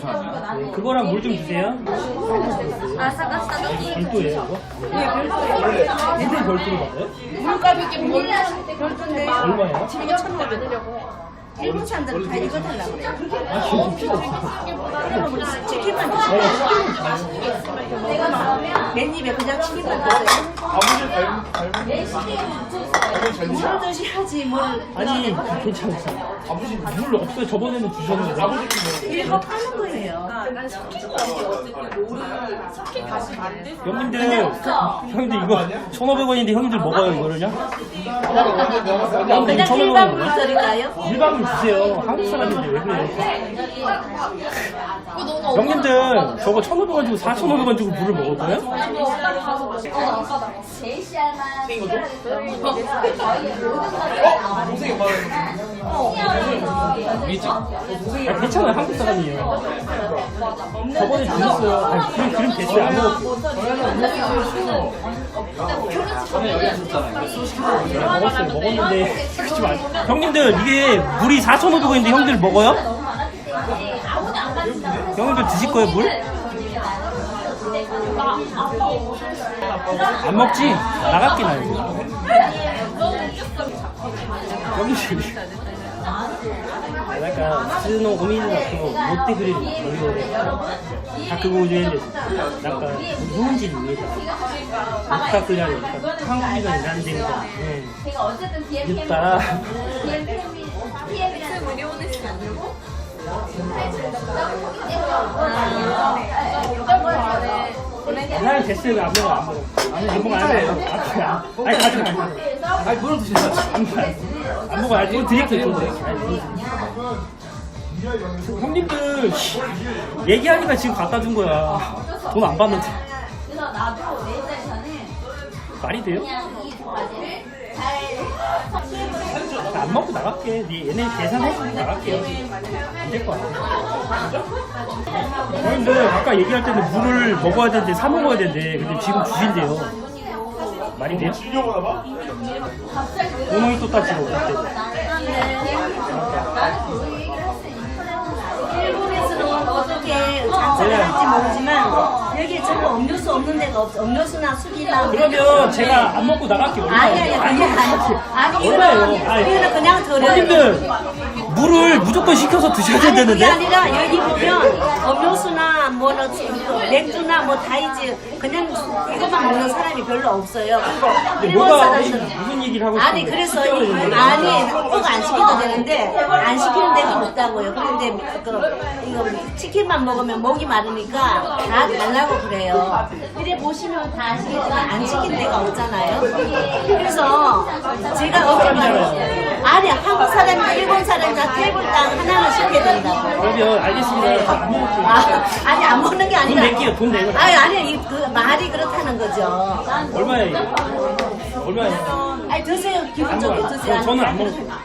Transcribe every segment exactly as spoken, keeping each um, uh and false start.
잠시만요. 네, 그거랑 물 좀 주세요. 아삭아삭. 별도예요, 이거? 네, 별도예요. 얘들 별도로 받아요? 물값이 별도인데 얼마예요? 이거 천오백. 일본 사람들은 다 이거 달라고 그래요. 아, 지금 필요 없어. 치킨만 드세요. 맨입에 그냥 치킨만 드세요. 아버지 닮은 닮은 물 드셔야지 뭘. 아니, 괜찮았어. 아버지 물 없어요. 저번에는 주셨는데. 아버지 이거 파는 거예요. 형님들, 형님들 이거 천오백 원인데 형님들 먹어요, 이거를요? 형님들 그냥 천오백 일반 원 물 먹어요? 드릴까요? 일반 물 주세요. 한국 사람인데 왜 그래요? 형님들, 저거 천오백 원 주고 사천오백 원 주고 물을 먹을 거예요? 제시알만 동생이 말하는 아, 괜찮아요. 한국 사람이에요. 저번에 주셨어요. 아, 그럼, 그럼 됐어요. 안 먹었어요. 먹었어요. 먹었는데. 그러지 마. 형님들, 이게 물이 사천오백 원인데 형들 먹어요? 형님들 드실 거예요, 물? 안 먹지? 나갈게, 나 이거. 여기 저기. 약간 스노 고민이나 그거 롯데 그릴 다 그거 오는데 약간 누군지 위해서 아까 그냥 약간 한국이가 일하는 데니까 제가 어쨌든 비엠 늦다. 비엠이라는 나는 됐어요. 안 먹어 안 먹어 안 먹어 안 먹어 아니 가지 마. 아니 물을 드세요. 안 먹어 안 먹어. 아니 물 드릴게요. 물 드릴게요. 형님들 얘기하니까 지금 갖다 준 거야. 돈 안 받는데 그래서 나도 내 입장에서는 말이 돼요? 그냥 이 두 가지를 잘 안 먹고 나갈게. 네 얘네 계산해서 나갈게요. 안 될 거 같아. 형님들 아까 얘기할 때는 물을 먹어야 되는데 사 먹어야 되는데 근데 지금 주신대요. 말이 돼요? 주려고 봐. 구멍이 또 따지고 그때. 일본에서는 어떻게 장사를 할지 모르지만 여기에 전부 음료수 없는 데가 없어. 음료수나 술이나. 그러면 제가 안 먹고 나갈게요. 아니 아니 아니 아니 아니 얼마예요? 이거는 아니, 이거는 그냥 드려요. 형님들 물을 무조건 시켜서 드셔야 아니 그게 되는데. 아니라 여기 보면 음료수나 뭐 맥주나 뭐 다이지 그냥 이것만 먹는 사람이 별로 없어요. 근데 일본 뭐가 사람들은 무슨 얘기를 하고 아니 싶은데 그래서 시켜야 이- 되는데. 아니 꼭 안 시켜도 되는데 안 시키는 데가 없다고요. 그런데 그 이거 치킨만 먹으면 목이 마르니까 다 달라고 그래요. 이래 보시면 다 아시겠지만 안 시킨 데가 없잖아요. 그래서 제가 어제 말로 아니 한국 사람이나 일본 사람이나 테이블당 하나는 시켜야 된다고. 그러면 알겠습니다. 안 먹을게요. 아, 아니 안 먹는 게 아니라. 돈 낼게요. 돈 내고. 아니 아니 이, 그 말이 그렇다는 거죠. 얼마예요? 이거? 얼마예요? 아니 드세요. 기분 좋게 드세요. 저- 저는 안 먹어요.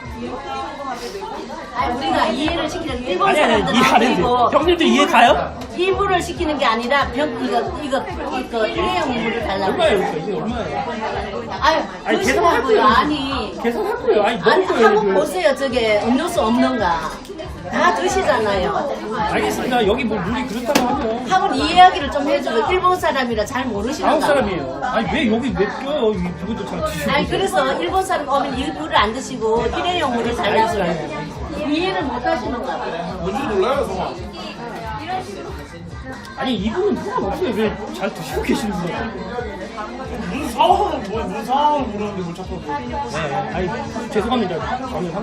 아니 우리가 이해를 시키는 일본 아니 아니 사람들은 이해 안 아니고 해도 형님들 이해 가요? 일부를 시키는 게 아니라 병 이거 이거 이거 일회용 물을 달라고. 얼마예요? 이거 이게 얼마예요? 아유 아니, 드시라고요. 계산할 아니 계산할 거예요. 아니 아니 먹을 거예요. 한번 지금. 보세요. 저게 음료수 없는가? 다 드시잖아요. 알겠습니다. 여기 뭐 물이 그렇다고 하면 한번 이야기를 좀 해주고 일본 사람이라 잘 모르시는가? 한국 사람이에요. 아니 왜 여기 왜 껴요? 이 그것도 잘 드시고. 아니 그래서 일본 사람 오면 일부를 안 드시고 일회용 물을 달라고 그래요. 이해를 못 하시는가 봐요. 뭔지 몰라요, 성아. 아니 이분은 상관없어요. 왜 잘 드시고 계시는 거예요? 무슨 상황은 뭐야? 무슨 상황을 모르는데 뭘 자꾸. 네. 아니 죄송합니다. 저는